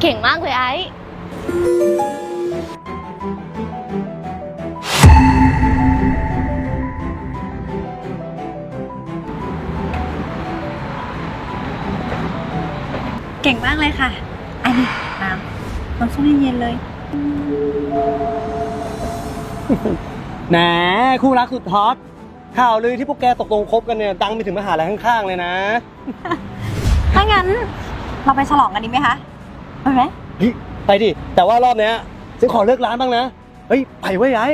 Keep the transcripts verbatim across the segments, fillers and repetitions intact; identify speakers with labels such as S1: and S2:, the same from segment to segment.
S1: ก่งมากเลยไอ้
S2: เก่งมากเลยค่ะอันนี้น้ำน้ำส้มเย็นๆเลย
S3: แหนคู่รักสุดฮอตข่าวลือที่พวกแกตกลงคบกันเนี่ยดังไปถึงมหาลัยข้างๆเลยนะ
S2: ถ้างั้นเราไปฉลองกันดีไหมคะไปไหม
S3: เฮ้ยไปดิแต่ว่ารอบเนี้ยฉันขอเลิกร้านบ้างนะเฮ้ยไปไว้ย้าย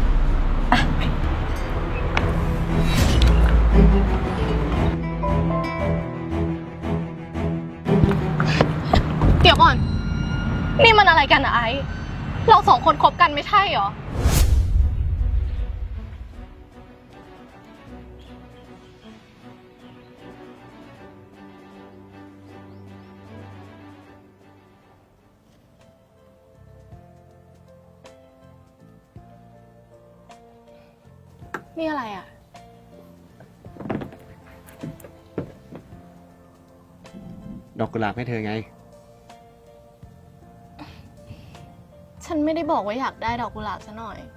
S1: เดี๋ยวก่อนนี่มันอะไรกันอะไอ้เราสองคนคบกันไม่ใช่เหรอนี่อะไรอ่ะ
S3: ดอกกุหลาบให้เธอไง
S1: ฉันไม่ได้บอกว่าอยากได้ดอกกุหลาบซะหน่อย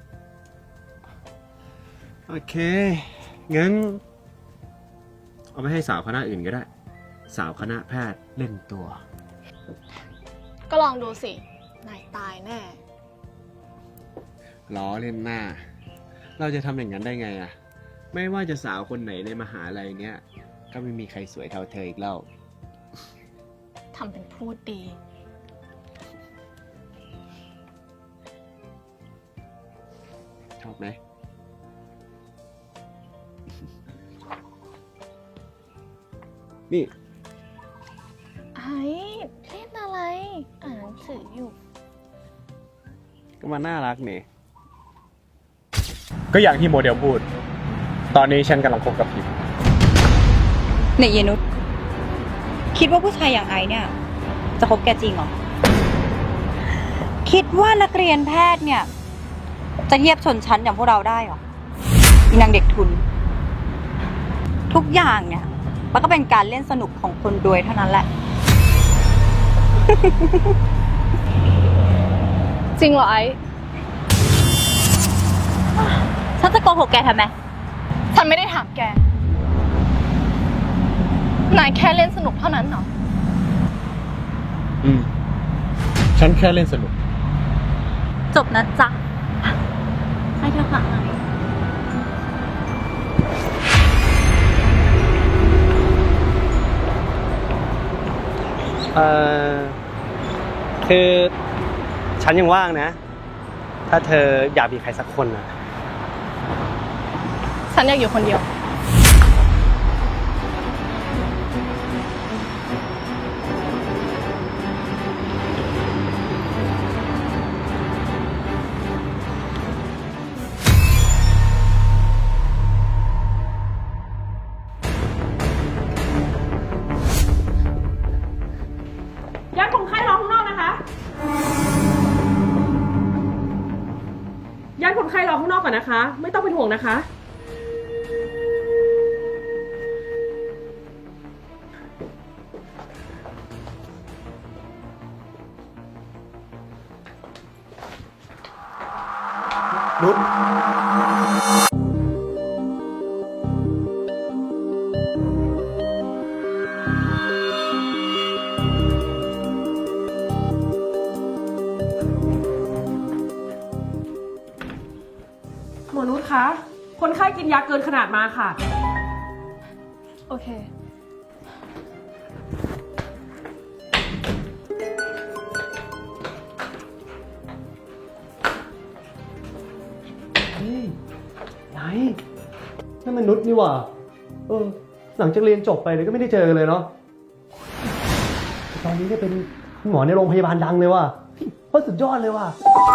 S3: โอเคงั้นเอาไปให้สาวคณะอื่นก็ได้สาวคณะแพทย์เล่นตัว
S1: ก็ลองดูสินายตายแน่
S3: ล้อเล่นหน้าเราจะทำอย่างนั้นได้ไงอะไม่ว่าจะสาวคนไหนในมหาลัยเนี้ยก็ไม่มีใครสวยเท่าเธออีกแล้ว
S1: ทำเป็นพูดดี
S3: ชอบไหมนี่
S1: ไอ้เล่นอะไรอ่านหนังสืออยู่
S3: ก็มาน่ารักนี่ก็อย่างที่โมเดลพูดตอนนี้ฉันกำลังคบกับพิม
S2: เนี่ยเยนุชคิดว่าผู้ชายอย่างไอเนี่ยจะคบแกจริงเหรอคิดว่านักเรียนแพทย์เนี่ยจะเทียบชนชั้นอย่างพวกเราได้เหรออีนางเด็กทุนทุกอย่างเนี่ยมันก็เป็นการเล่นสนุกของคนรวยเท่านั้นแหละ
S1: จริงเหรอไอ้
S2: ฉันจะโกหกแกทำไม
S1: ฉันไม่ได้ถามแกนายแค่เล่นสนุกเท่านั้นเหรอ
S3: อืมฉันแค่เล่นสนุก
S2: จบนะจ๊ะให้เธอค่ะ
S3: เอ่อคือฉันยังว่างนะถ้าเธออยากมีใครสักคนนะ
S1: ฉันอยากอยู่คนเดียว
S4: ญาติคนไข้รอข้างนอกนะคะญาติคนไข้รอข้างนอกก่อนนะคะไม่ต้องเป็นห่วงนะคะ
S3: นุช
S4: หมอนุชคะคนไข้กินยาเกินขนาดมาค่ะ
S1: โอเค
S3: ไหนนั่นมันนุชนี่หว่าเออหลังจากเรียนจบไปเลยก็ไม่ได้เจอเลยเนาะตอนนี้เนี่ยเป็นหมอในโรงพยาบาลดังเลยว่ะโคตรสุดยอดเลยว่ะ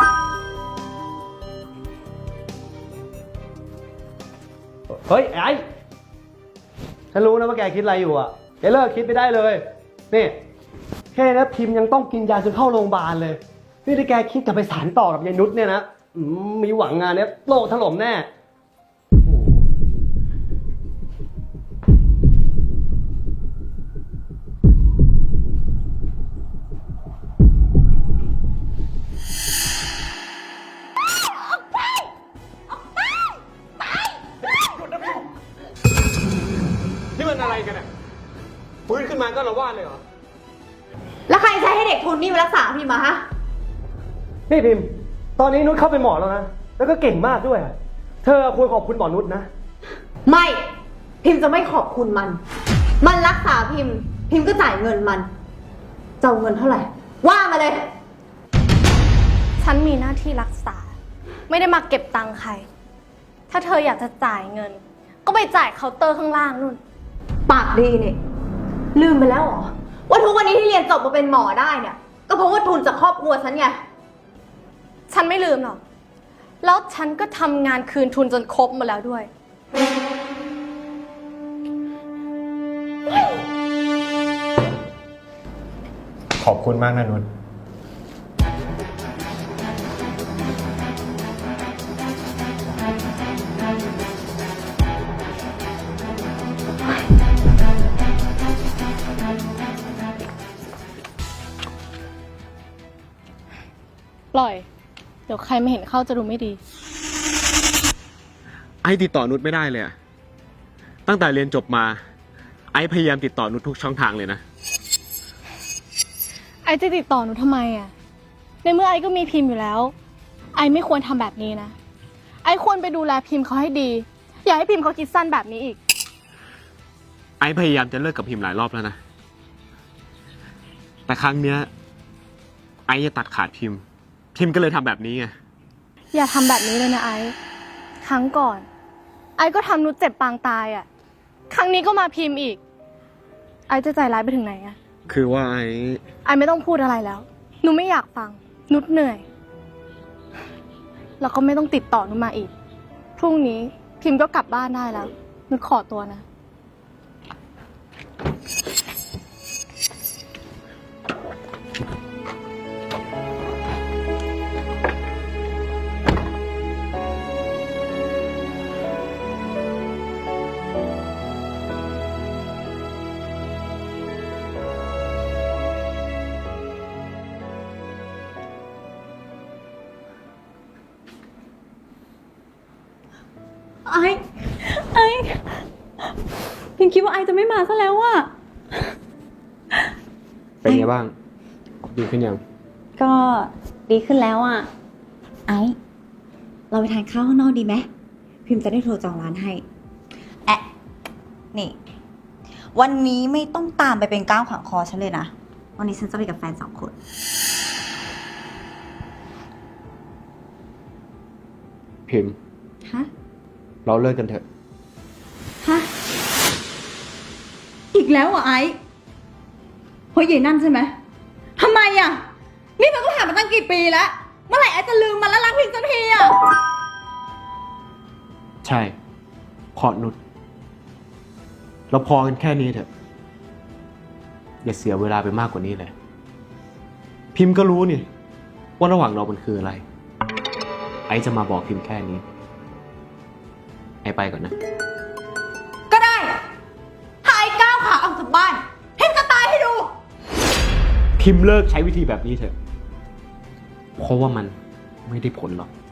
S3: เฮ้ยไอ้ฉันรู้นะว่าแกคิดอะไรอยู่อ่ะแกเลิกคิดไม่ได้เลยนี่แค่นะพิมพ์ยังต้องกินยาจนเข้าโรงพยาบาลเลยนี่ถ้าแกคิดจะไปสานต่อกับยายนุชเนี่ยนะมีหวังงานเนี้ยโลกถล่มแน่มาก็ละวาดเลยเหรอ
S2: แล้วใครใช้ให้เด็กทุนนี่มารักษาพี่มาฮะ
S3: นี่พิมพ์ ตอนนี้นุชเข้าเป็นหมอแล้วนะ แล้วก็เก่งมากด้วย เธอควรขอบคุณหมอนุชนะ
S2: ไม่ พิมพ์จะไม่ขอบคุณมัน มันรักษาพิมพ์ พิมพ์ก็จ่ายเงินมันจะเอาเงินเท่าไหร่ ว่ามาเลย
S1: ฉันมีหน้าที่รักษา ไม่ได้มาเก็บตังค์ใคร ถ้าเธออยากจะจ่ายเงิน ก็ไปจ่ายเคาน์เตอร์ข้างล่างนู่น
S2: ปากดีนี่ลืมไปแล้วเหรอ ว่าทุกวันนี้ที่เรียนจบมาเป็นหมอได้เนี่ย ก็เพราะว่าทุนจากครอบครัวฉันไง
S1: ฉันไม่ลืมหรอก แล้วฉันก็ทำงานคืนทุนจนครบหมดแล้วด้วย
S3: ขอบคุณมากนะนุช
S1: ปล่อย เดี๋ยวใครไม่เห็นเข้าจะดูไม่ดี
S5: ไอ้ติดต่อนุชไม่ได้เลยอะตั้งแต่เรียนจบมา ไอ้พยายามติดต่อนุชทุกช่องทางเลยนะ
S1: ไอจะติดต่อหนูทำไมอ่ะ ในเมื่อไอก็มีพิมพ์อยู่แล้ว ไอไม่ควรทำแบบนี้นะ ไอควรไปดูแลพิมพ์เขาให้ดี อย่าให้พิมพ์เขาคิดสั้นแบบนี้อีก
S5: ไอ้พยายามจะเลิกกับพิมพ์หลายรอบแล้วนะ แต่ครั้งเนี้ย ไอ้จะตัดขาดพิมพ์ พิมพ์ก็เลยทำแบบนี้ไง
S1: อย่าทำแบบนี้เลยนะไอครั้งก่อน ไอก็ทำนุชเจ็บปางตายอ่ะ ครั้งนี้ก็มาพิมพ์อีก ไอจะใจร้ายไปถึงไหนอ่ะ
S5: คือว่าไอ้
S1: ไอไม่ต้องพูดอะไรแล้ว หนูไม่อยากฟัง นุชเหนื่อย แล้วก็ไม่ต้องติดต่อนุชมาอีก พรุ่งนี้พิมพ์ก็กลับบ้านได้แล้ว นุชขอตัวนะ
S2: ไอ้ไอ้พิมคิดว่าไอ้จะไม่มาซะแล้วอะ
S5: เป็นไงบ้าง ดีขึ้นยัง
S2: ก็ดีขึ้นแล้วอะไอ้เราไปทานข้าวข้างนอกดีไหมพิมจะได้โทรจองร้านให้แอะนี่ วันนี้ไม่ต้องตามไปเป็นก้าวขวางคอฉันเลยนะ วันนี้ฉันจะไปกับแฟนสองคน
S5: พิมพ์
S2: ฮะ
S5: เราเลิกกันเถอะ
S2: ฮะ อีกแล้วเหรอ่ะไอ้เพราะใหญ่นั่นใช่ไหมทำไมอ่ะ นี่มันก็ผ่านมาตั้งกี่ปีแล้ว เมื่อไหร่ไอ้จะลืมมันแล้วรักพิมสักทีอ่ะ
S5: ใช่ขอนุชเราพอกันแค่นี้เถอะ อย่าเสียเวลาไปมากกว่านี้เลย พิมพ์ก็รู้นี่ ว่าระหว่างเรามันคืออะไร ไอ้จะมาบอกพิมพ์แค่นี้ ไอ้ไปก่อนนะ
S2: ก็ได้ถ้าไอ้ก้าวขาออกจากบ้านพิมจะตายให้ดู
S5: พิมพ์เลิกใช้วิธีแบบนี้เถอะ เพราะว่ามันไม่ได้ผลหรอก